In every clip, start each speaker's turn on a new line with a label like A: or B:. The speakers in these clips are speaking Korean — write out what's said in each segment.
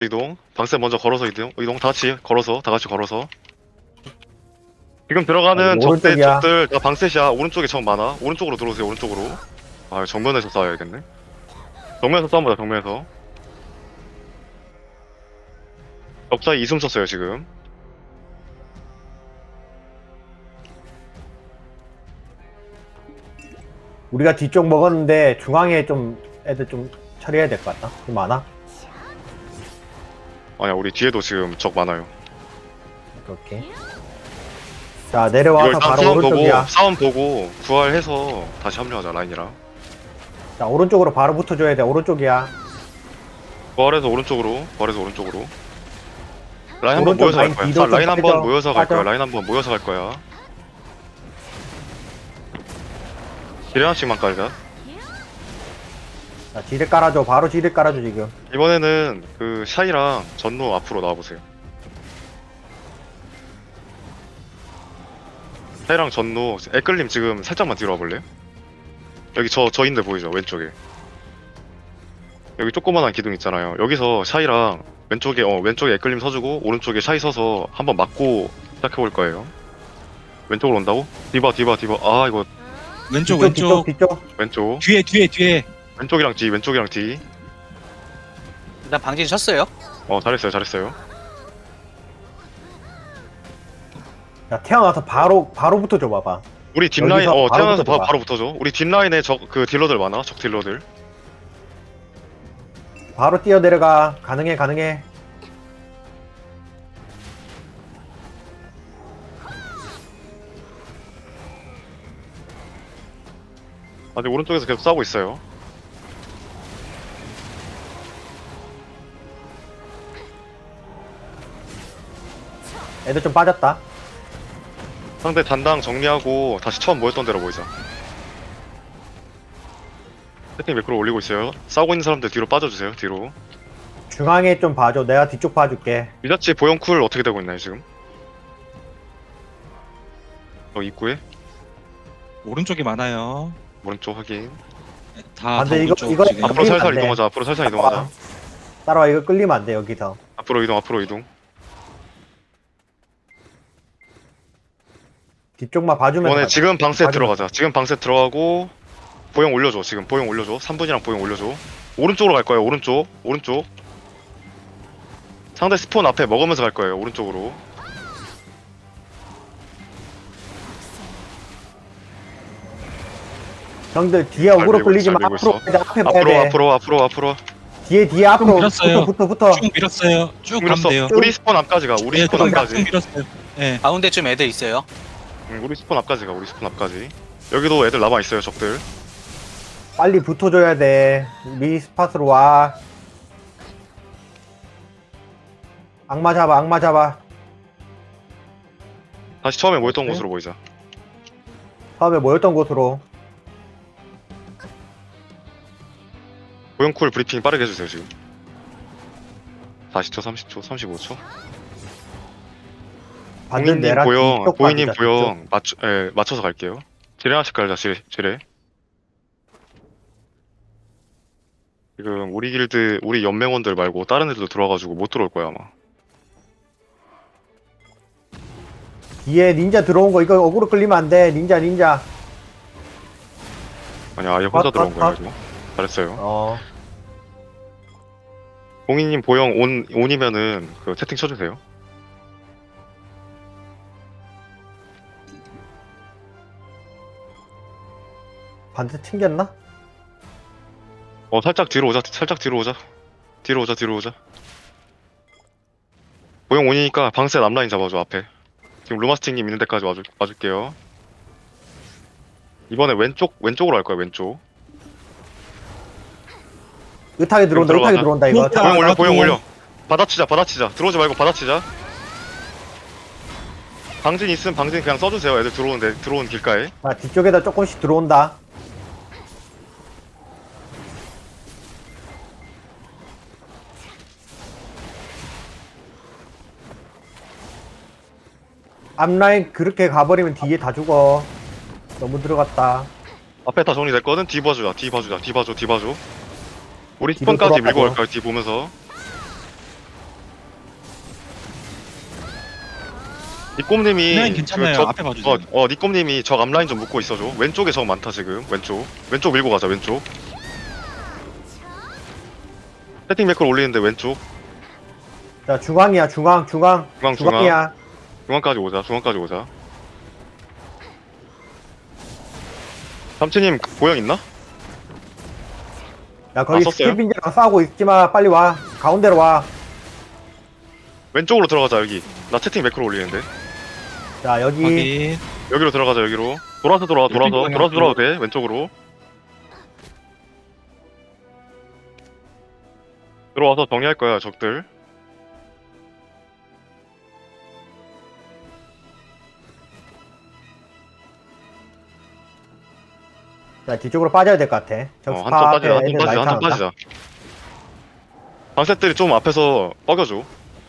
A: 이동. 방세 먼저 걸어서 이동 다 같이 걸어서 다 같이 걸어서. 지금 들어가는
B: 아이고, 오른쪽이야.
A: 적들 다 방셋이야. 오른쪽에 적 많아. 오른쪽으로 들어오세요. 오른쪽으로. 아 정면에서 싸워야겠네. 정면에서 싸움보다 정면에서. 적자 이숨 썼어요 지금.
B: 우리가 뒤쪽 먹었는데 중앙에 좀 애들 좀 처리해야 될 것 같다. 좀 많아?
A: 아니야 우리 뒤에도 지금 적 많아요.
B: 오케이. 자
A: 이거
B: 내려와서
A: 일단
B: 바로
A: 싸움 보고
B: 오른쪽이야.
A: 싸움 보고 부활해서 다시 합류하자 라인이랑.
B: 자 오른쪽으로 바로 붙어줘야 돼. 오른쪽이야.
A: 부활해서 오른쪽으로. 라인 한번
B: 오른쪽
A: 모여서 갈
B: 라인
A: 거야.
B: 뒤로 좀
A: 라인 한번
B: 빠져.
A: 모여서 갈 거야.
B: 빠져.
A: 라인 한번 모여서 갈 거야. 딜 하나씩만 깔자.
B: 자 지뢰 깔아줘. 바로 지뢰 깔아줘 지금.
A: 이번에는 그 샤이랑 전노 앞으로 나와보세요. 샤이랑 전노, 애끌림 지금 살짝만 뒤로 와볼래요? 여기 저인데 보이죠? 왼쪽에. 여기 조그만한 기둥 있잖아요. 여기서 샤이랑 왼쪽에 애끌림 서주고 오른쪽에 샤이 서서 한번 맞고 시작해볼 거예요. 왼쪽으로 온다고? 디바. 아 이거
C: 왼쪽
B: 뒤쪽
C: 왼쪽
B: 뒤쪽.
A: 왼쪽.
C: 뒤에
A: 왼쪽이랑 뒤.
D: 일단 방진 쳤어요.
A: 잘했어요.
B: 자 태어나서 바로 붙어줘 봐봐.
A: 우리 뒷라인
B: 여기서 바로
A: 태어나서
B: 붙어봐.
A: 바로 붙어줘. 우리 뒷라인에 그 딜러들 많아. 적 딜러들.
B: 바로 뛰어 내려가. 가능해.
A: 아직 오른쪽에서 계속 싸우고 있어요.
B: 애들 좀 빠졌다.
A: 상대 단당 정리하고 다시 처음 모였던 대로 모이자. 세팅 매크로 올리고 있어요. 싸우고 있는 사람들 뒤로 빠져주세요. 뒤로.
B: 중앙에 좀 봐줘. 내가 뒤쪽 봐줄게.
A: 미자치 보영쿨 어떻게 되고 있나요 지금? 입구에
C: 오른쪽이 많아요.
A: 오른쪽 확인.
C: 다
B: 근데
C: 오른쪽
B: 이거
C: 지금.
A: 앞으로
B: 끌리면
A: 살살
B: 안 돼.
A: 이동하자. 앞으로 살살 이동하자.
B: 따라와. 이거 끌리면 안 돼 여기서.
A: 앞으로 이동.
B: 뒤쪽만 봐주면
A: 이번에
B: 돼.
A: 지금 방세
B: 맞아.
A: 들어가자. 지금 방세 들어가고 보영 올려줘. 지금 보영 올려줘. 3분이랑 보영 올려줘. 오른쪽으로 갈 거예요. 오른쪽. 상대 스폰 앞에 먹으면서 갈 거예요. 오른쪽으로.
B: 형들 뒤에 어그로
A: 밀고
B: 끌리지 마.
A: 있어, 밀고
B: 앞으로 가야 돼. 앞에 봐야 돼.
A: 앞으로.
B: 뒤에 앞으로
C: 밀었어요.
B: 붙어.
C: 쭉 밀었어요. 쭉 가면
A: 밀었어.
C: 돼요.
A: 우리 스폰 앞까지 가. 우리
C: 예,
A: 스폰
C: 쭉
A: 앞까지.
C: 밀었어요. 예.
D: 가운데쯤 애들 있어요.
A: 우리 스폰 앞까지 가. 우리 스폰 앞까지. 여기도 애들 남아 있어요. 적들.
B: 빨리 붙어줘야 돼. 미 스팟으로 와. 악마 잡아.
A: 다시 처음에 모였던
B: 오케이.
A: 곳으로 모이자.
B: 처음에 모였던 곳으로.
A: 보영쿨 브리핑 빠르게 해주세요 지금. 40초, 30초, 35초.
B: 반대
A: 보이님
B: 내랑
A: 보영,
B: 뒤쪽
A: 보이님
B: 봐주자,
A: 보영 맞춰서 갈게요. 지뢰 하나씩 깔자. 지뢰. 지금 우리 길드, 우리 연맹원들 말고 다른 애들도 들어와가지고 못 들어올 거야 아마.
B: 뒤에 닌자 들어온 거 이거 어그로 끌리면 안 돼. 닌자.
A: 아니야 아예 혼자
B: 아,
A: 들어온 거야
B: 아.
A: 이거. 잘했어요.
B: 어.
A: 공이님 보영 온이면은 그 채팅 쳐주세요.
B: 반대 튕겼나?
A: 살짝 뒤로 오자. 뒤로 오자. 보영 온이니까 방셋 앞라인 잡아줘 앞에. 지금 루마스팅님 있는 데까지 와줄게요. 이번에 왼쪽으로 갈 거야 왼쪽.
B: 으타게 들어온다.
A: 들어가자.
B: 으타게 들어온다 이거.
C: 아,
A: 보영 올려. 받아치자. 들어오지 말고 받아치자. 방진 있으면 방진 그냥 써주세요. 애들 들어온 길가에.
B: 자 뒤쪽에다 조금씩 들어온다. 앞라인 그렇게 가버리면 뒤에 다 죽어. 너무 들어갔다.
A: 앞에 다 정리됐거든? 뒤 봐줘. 우리
B: 뒤로
A: 스폰까지 밀고
B: 돌아가죠.
A: 갈까요? 뒤 보면서. 니꼼님이
C: 라인 괜찮아요.
A: 저-
C: 앞에 봐주세요.
A: 니꼼님이 적 앞라인 좀 묶고 있어줘. 왼쪽에 적 많다 지금. 왼쪽 밀고 가자. 왼쪽. 세팅 매크로 올리는데 왼쪽.
B: 자, 중앙이야, 중앙.
A: 중앙.
B: 중앙이야.
A: 중앙까지 오자. 삼치님 보영 있나?
B: 야, 거기
A: 썼어요?
B: 스티빈이랑 싸우고 있지 마. 빨리 와. 가운데로 와.
A: 왼쪽으로 들어가자 여기. 나 채팅 매크로 올리는데.
B: 자, 여기.
C: 확인.
A: 여기로 들어가자 여기로. 돌아서 들어와도 돼. 왼쪽으로. 들어와서 정리할 거야 적들.
B: 자, 뒤쪽으로 빠져야 될 것 같아. 저
A: 한점
B: 스파 앞에
A: 빠지자.
B: 애들 많이
A: 한점
B: 타는다.
A: 빠지자. 방셋들이 좀 앞에서 뻐겨줘.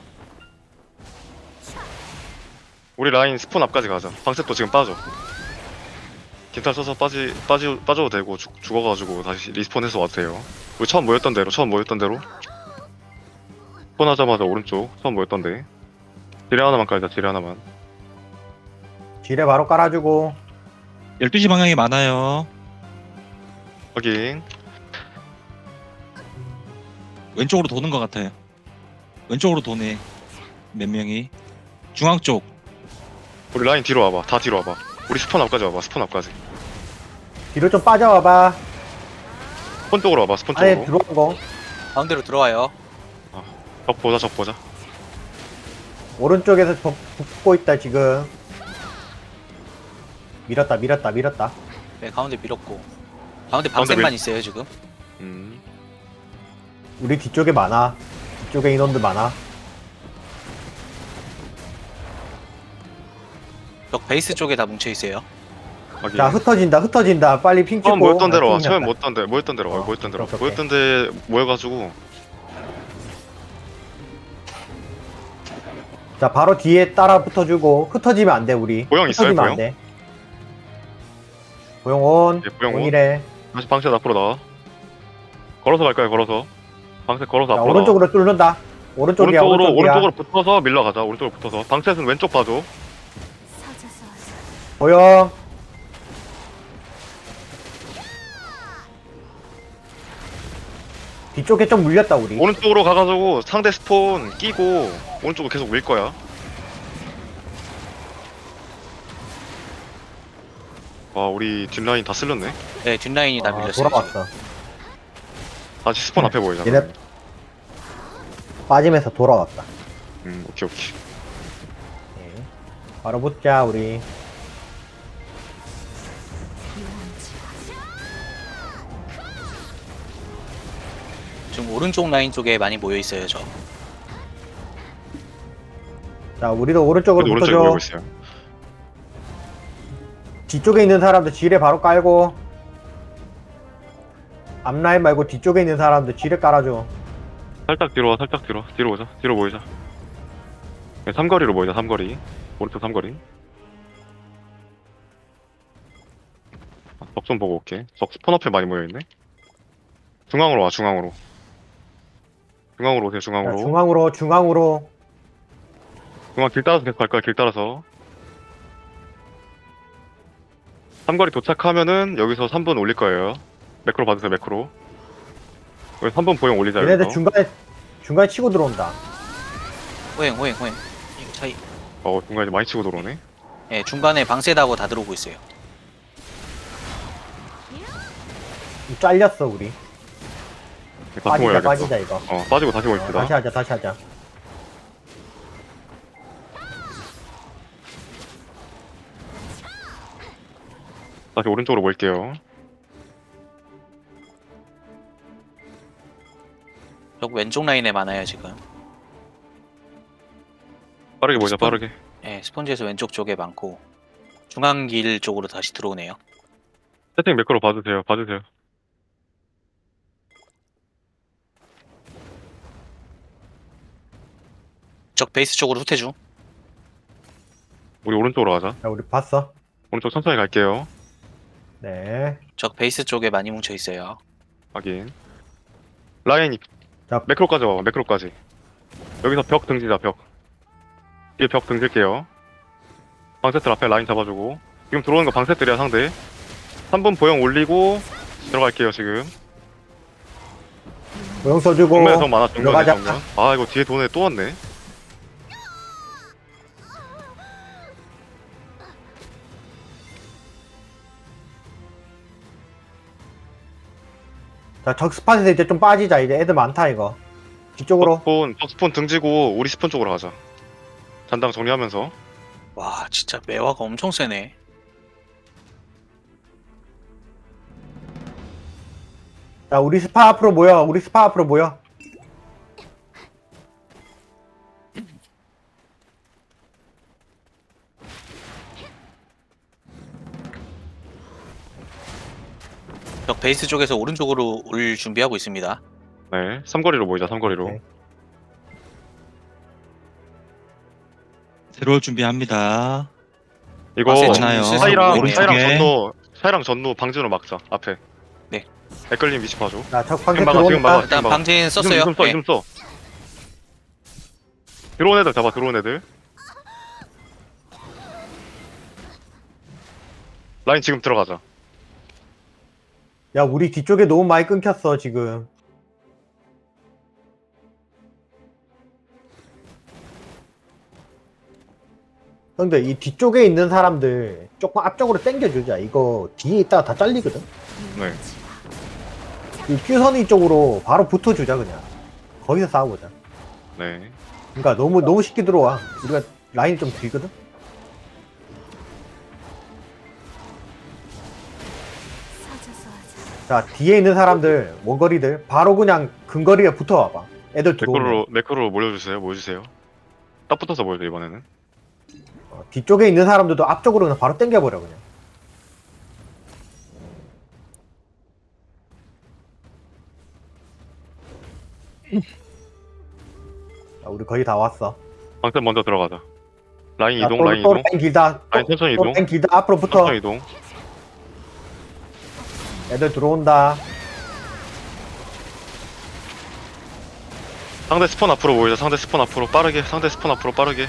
A: 우리 라인 스폰 앞까지 가자. 방셋도 지금 빠져. 긴탈 써서 빠져도 되고 죽어가지고 다시 리스폰해서 와도 돼요. 우리 처음 모였던 대로 스폰 하자마자 오른쪽 처음 모였던 데 지뢰 하나만 깔자. 지뢰 하나만.
B: 지뢰 바로 깔아주고.
C: 12시 방향이 많아요.
A: 확인.
C: 왼쪽으로 도는 것 같아요. 왼쪽으로 도네. 몇 명이. 중앙 쪽.
A: 우리 라인 뒤로 와봐. 다 뒤로 와봐. 우리 스폰 앞까지 와봐. 스폰 앞까지.
B: 뒤로 좀 빠져와봐.
A: 스폰 쪽으로 와봐. 스폰
B: 안에
A: 쪽으로.
B: 들어온 거.
D: 가운데로 들어와요.
A: 적 보자.
B: 오른쪽에서 붙고 있다, 지금. 밀었다.
D: 네, 가운데 밀었고. 가운데 방생만 있어요, 지금.
B: 우리 뒤쪽에 많아. 뒤쪽에 인원들 많아.
D: 적 베이스 쪽에 다 뭉쳐 있어요.
A: 확인.
B: 자, 흩어진다. 빨리 핑 찍고.
A: 처음 모였던 데로 와.
B: 핑
A: 처음
B: 났다.
A: 모였던 데로 와.
B: 오케이.
A: 모였던 데 모여가지고
B: 자, 바로 뒤에 따라 붙어주고. 흩어지면 안 돼, 우리.
A: 보영 있어요,
B: 흩어지면
A: 보영?
B: 안 돼. 보영 온.
A: 예, 보영 온.
B: 동일해.
A: 다시 방셋 앞으로 나와. 걸어서 갈 거야. 방셋 걸어서
B: 자,
A: 앞으로
B: 오른쪽으로 뚫는다. 오른쪽이야.
A: 오른쪽으로 붙어서 밀러가자. 오른쪽으로 붙어서. 방셋은 왼쪽 봐줘.
B: 보영. 뒤쪽에 좀 물렸다, 우리.
A: 오른쪽으로 가가지고 상대 스폰 끼고 오른쪽으로 계속 밀 거야. 와, 우리 뒷라인 다 쓸렸네.
D: 네, 뒷라인이 다 밀렸어요. 지금.
B: 돌아왔어.
A: 다시 스폰 앞에 보이잖아.
B: 얘네 빠지면서 돌아왔다.
A: 오케이.
B: 네. 바로 붙자, 우리.
D: 지금 오른쪽 라인 쪽에 많이 모여 있어요, 저.
B: 자, 우리도 오른쪽으로
A: 그래도 오른쪽에 모이고
B: 붙어줘.
A: 있어요.
B: 뒤쪽에 있는 사람들 지뢰 바로 깔고. 앞라인 말고 뒤쪽에 있는 사람들 지뢰 깔아줘.
A: 살짝 뒤로 와. 뒤로 오자. 뒤로 모이자. 네, 삼거리로 모이자. 삼거리. 오른쪽 삼거리. 적 좀 보고 올게. 적 스폰 앞에 많이 모여있네. 중앙으로 와. 중앙으로 오세요.
B: 자,
A: 중앙으로.
B: 중앙으로.
A: 중앙 길 따라서 계속 갈 거야. 길 따라서. 삼거리 도착하면은 여기서 3분 올릴 거예요. 매크로 받으세요. 매크로. 여기 3분 보영 올리자.
B: 얘네들
A: 여기서.
B: 중간에 치고 들어온다.
D: 호행. 이거 차이.
A: 중간에 많이 치고 들어오네.
D: 네, 중간에 방세다고 다 들어오고 있어요.
B: 잘렸어, 우리.
A: 다시 모여야겠어.
B: 빠지자, 이거.
A: 빠지고 다시 모입시다.
B: 다시 하자.
A: 다시 오른쪽으로 모일게요.
D: 적 왼쪽 라인에 많아요, 지금.
A: 빠르게 모이자. 빠르게.
D: 네, 스펀지에서 왼쪽 쪽에 많고. 중앙길 쪽으로 다시 들어오네요.
A: 세팅 매크로 봐주세요.
D: 적 베이스 쪽으로 후퇴중.
A: 우리 오른쪽으로 가자.
B: 자, 우리 봤어.
A: 오른쪽 천천히 갈게요.
B: 네.
D: 적 베이스 쪽에 많이 뭉쳐 있어요.
A: 확인. 라인이
B: 자.
A: 매크로까지 와봐. 매크로까지. 여기서 벽 등지자. 벽. 뒤에 벽 등질게요. 방세틀 앞에 라인 잡아주고 지금 들어오는 거 방세틀이야 상대. 3분 보형 올리고 들어갈게요 지금.
B: 모형 써주고
A: 정면에 더 많아 정면에
B: 들어가자.
A: 정면. 아 이거 뒤에 돈에 또 왔네.
B: 자 적스팟에서 이제 좀 빠지자. 이제 애들 많다 이거. 뒤쪽으로.
A: 적스폰 등지고 우리 스폰 쪽으로 가자. 잔당 정리하면서.
D: 와 진짜 매화가 엄청 세네.
B: 자 우리 스파 앞으로 모여. 우리 스파 앞으로 모여.
D: 적 베이스 쪽에서 오른쪽으로 올 준비하고 있습니다.
A: 네, 삼거리로 모이자 삼거리로.
B: 오케이.
C: 들어올 준비합니다.
A: 이거
D: 아, 세
C: 많아요.
A: 사이랑
C: 오른쪽에.
A: 사이랑 전루 방진으로 막자 앞에.
D: 네.
A: 댓글님 위치 봐줘.
B: 자적 방세
A: 지금 막아, 지금 막아.
B: 들어오니까.
D: 일단
A: 막아.
D: 방진 썼어요.
A: 이좀 써,
D: 네.
A: 이좀 써. 들어온 애들 잡아, 들어온 애들. 라인 지금 들어가자.
B: 야 우리 뒤쪽에 너무 많이 끊겼어 지금. 형들 이 뒤쪽에 있는 사람들 조금 앞쪽으로 당겨주자. 이거 뒤에 있다가 다 잘리거든.
A: 네.
B: 이 퓨선이 쪽으로 바로 붙어주자 그냥. 거기서 싸우자.
A: 네.
B: 그러니까 너무 쉽게 들어와. 우리가 라인이 좀 길거든. 자 뒤에 있는 사람들 원거리들 바로 그냥 근거리에 붙어와봐. 애들 들어오면
A: 매크로 몰려주세요, 모여주세요. 딱 붙어서 모여줘, 이번에는.
B: 뒤쪽에 있는 사람들도 앞쪽으로 그냥 바로 당겨버려 그냥. 자, 우리 거의 다 왔어.
A: 방센 먼저 들어가자. 라인
B: 자,
A: 이동,
B: 또,
A: 라인
B: 또
A: 이동.
B: 라인 길다.
A: 라인 천천히
B: 또
A: 이동.
B: 라인 길다. 앞으로 붙어.
A: 천천히 이동.
B: 애들 들어온다.
A: 상대 스폰 앞으로 모이자. 상대 스폰 앞으로 빠르게. 상대 스폰 앞으로 빠르게.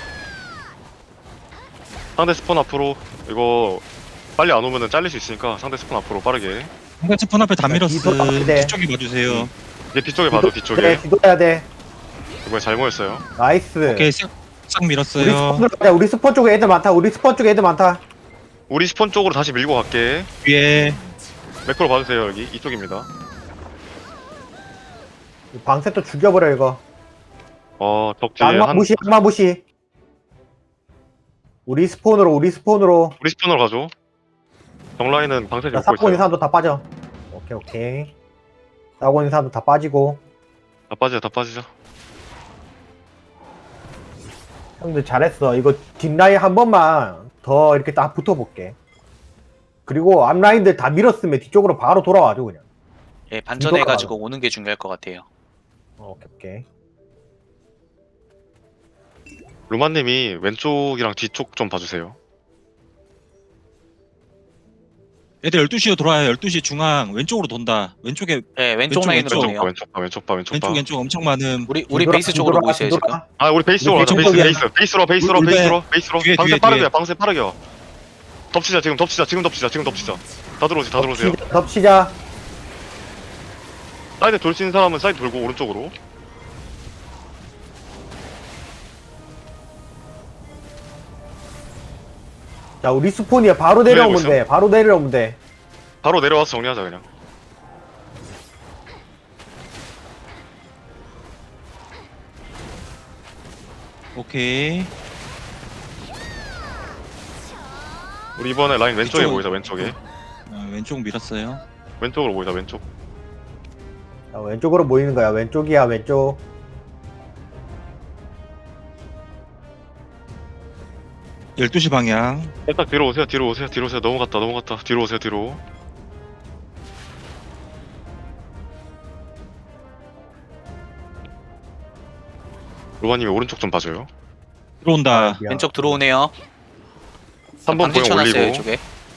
A: 상대 스폰 앞으로. 이거 빨리 안 오면은 잘릴 수 있으니까 상대 스폰 앞으로 빠르게.
C: 한가 스폰 앞에 다
B: 자,
C: 밀었어.
B: 뒤도 앞에.
C: 뒤쪽에 봐주세요.
A: 이제 뒤쪽에 봐줘, 뒤쪽에.
B: 네, 뒤돌아야 돼.
A: 이번에 잘 모였어요.
B: 나이스.
C: 오케이 싹
B: 우리
C: 밀었어요.
B: 스폰으로 가자. 우리 스폰 쪽에 애들 많다. 우리 스폰 쪽에 애들 많다.
A: 우리 스폰 쪽으로 다시 밀고 갈게.
C: 위에
A: 매크로 봐주세요, 여기. 이쪽입니다.
B: 방세 또 죽여버려 이거.
A: 적 뒤에
B: 악마 무시, 악마 무시. 우리 스폰으로.
A: 우리 스폰으로 가죠. 정라인은 방세
B: 자,
A: 잡고
B: 싸고 있는
A: 있어요.
B: 사람도 다 빠져. 오케이. 싸고 있는 사람도 다 빠지고.
A: 다 빠지자.
B: 형들 잘했어. 이거 뒷라인 한 번만 더 이렇게 딱 붙어볼게. 그리고 앞라인들 다 밀었으면 뒤쪽으로 바로 돌아와줘 그냥.
D: 예, 반전해가지고 오는 게 중요할 것 같아요.
B: 오케이.
A: 루마님이 왼쪽이랑 뒤쪽 좀 봐주세요.
C: 애들 12시로 돌아요. 12시 중앙 왼쪽으로 돈다. 왼쪽에
D: 예, 왼쪽
C: 왼쪽,
D: 라인으로
C: 왼쪽.
D: 오네요.
A: 왼쪽 봐.
C: 왼쪽 엄청 많은.
D: 우리
B: 뒤돌아,
D: 베이스 쪽으로
B: 뒤돌아,
D: 보이세요
B: 뒤돌아.
D: 지금?
A: 아 우리 베이스 쪽으로 가자.
B: 왼쪽
A: 베이스로. 베이스로.
C: 뒤에,
A: 방세
C: 뒤에,
A: 빠르게.
C: 뒤에.
A: 방세 빠르게. 덮치자. 지금 덮치자. 다 들어오세요.
B: 덮치자.
A: 사이드 돌 수 있는 사람은 사이드 돌고 오른쪽으로.
B: 자 우리 스폰이야. 바로 내려오면 돼. 바로 내려오면 돼.
A: 바로 내려와서 정리하자 그냥.
C: 오케이.
A: 우리 이번에 라인 왼쪽에
C: 이쪽은-
A: 모이자. 왼쪽에.
C: 왼쪽 밀었어요.
A: 왼쪽으로 모이자. 왼쪽.
B: 자, 왼쪽으로 모이는 거야. 왼쪽이야. 왼쪽.
C: 열두 시 방향.
A: 살짝 뒤로 오세요. 넘어갔다. 뒤로 오세요. 뒤로. 루마님이 오른쪽 좀 봐줘요.
C: 들어온다.
B: 미안.
D: 왼쪽 들어오네요.
A: 3번
D: 방진
A: 보형
D: 쳐놨어요
A: 올리고.
D: 이쪽에.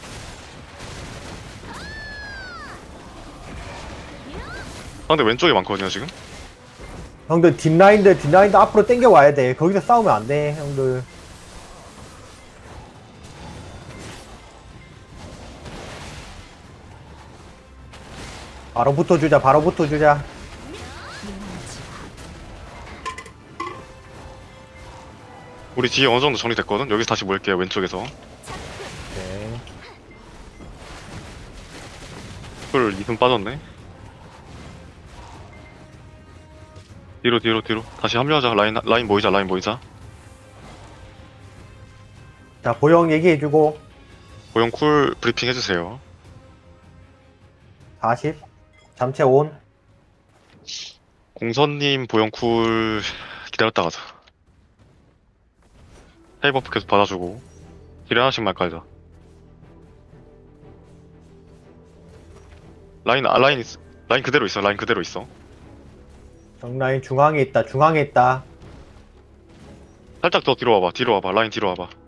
A: 상대 왼쪽에 많거든요 지금.
B: 형들 뒷라인들 앞으로 당겨 와야 돼. 거기서 싸우면 안 돼, 형들. 바로 붙어주자, 바로 붙어주자.
A: 우리 뒤에 어느 정도 정리됐거든. 여기서 다시 모일게요. 왼쪽에서.
B: 오케이.
A: 풀 2분 빠졌네. 뒤로 다시 합류하자. 라인 모이자. 라인 모이자.
B: 자, 보영 얘기해주고.
A: 고용 쿨 브리핑 해주세요.
B: 40. 잠체 온.
A: 공선님 보영 쿨 기다렸다 가자. 헤이버프 계속 받아주고 딜 하나씩만 깔자. 라인 그대로 있어. 라인 그대로 있어.
B: 정라인 중앙에 있다, 중앙에 있다.
A: 살짝 더 뒤로 와봐. 뒤로 와봐. 라인 뒤로 와봐.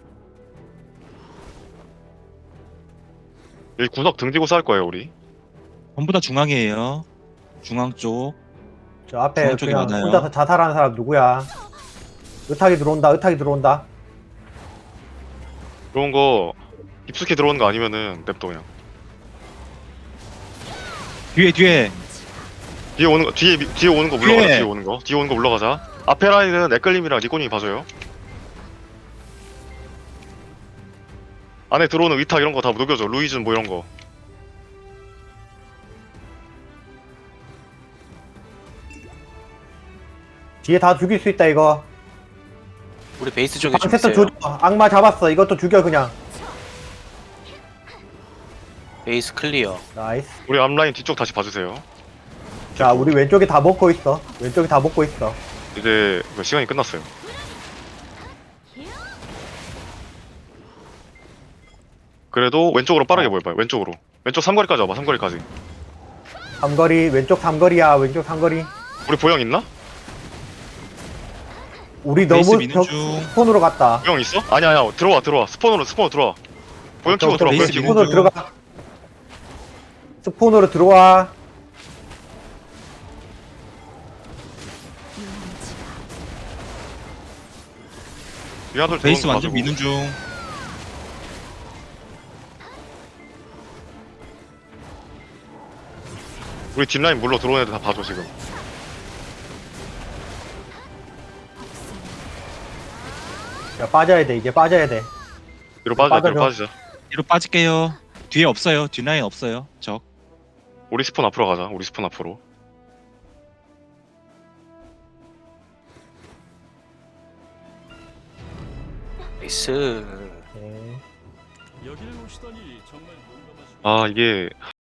A: 여기 구석 등 뒤고 싸울 거예요 우리.
C: 전부 다 중앙이에요. 중앙 쪽.
B: 저 앞에
C: 중앙 쪽이
B: 그냥
C: 많아요.
B: 혼자서 자살하는 사람 누구야? 의탁이 들어온다, 의탁이 들어온다.
A: 들어온 거 깊숙이 들어오는 거 아니면은 냅둬 그냥.
C: 뒤에
A: 뒤에 오는 거 물러가자.
C: 뒤에.
A: 뒤에 오는 거 물러가자. 앞에 라인은 에클림이랑 니코님이 봐줘요. 안에 들어오는 위탁 이런 거 다 녹여줘. 루이즌 뭐 이런 거.
B: 뒤에 다 죽일 수 있다, 이거.
D: 우리 베이스 쪽에 좀
B: 방세터
D: 있어요.
B: 조져. 악마 잡았어. 이것도 죽여, 그냥.
D: 베이스 클리어.
B: 나이스.
A: 우리 앞라인 뒤쪽 다시 봐주세요.
B: 자, 우리 왼쪽에 다 먹고 있어. 왼쪽에 다 먹고 있어.
A: 이제 시간이 끝났어요. 그래도 왼쪽으로 빠르게 모여봐요. 왼쪽으로. 왼쪽 삼거리까지 와봐. 삼거리까지.
B: 삼거리, 왼쪽 삼거리야, 왼쪽 삼거리.
A: 우리 보영 있나?
B: 우리
C: 베이스
B: 너무
C: 미는 중.
B: 스폰으로 갔다.
A: 보영 있어? 아니야. 들어와. 스폰으로 들어와. 보영 키고 들어와. 보영
C: 베이스
A: 키고.
C: 미는
B: 스폰으로 들어가. 스폰으로 들어와.
A: 위아들
C: 베이스
A: 들어오는 거
C: 완전
A: 봐주고.
C: 미는 중.
A: 우리 뒷라인 물러 들어오는 애들 다 봐줘 지금.
B: 야, 빠져야 돼. 이제 빠져야 돼.
A: 뒤로 빠지자. 뒤로
B: 빠져줘.
A: 빠지자.
C: 뒤로 빠질게요. 뒤에 없어요. 뒷라인 없어요. 적.
A: 우리 스폰 앞으로 가자. 우리 스폰 앞으로.
D: 베이스.
B: 네.
A: 아 이게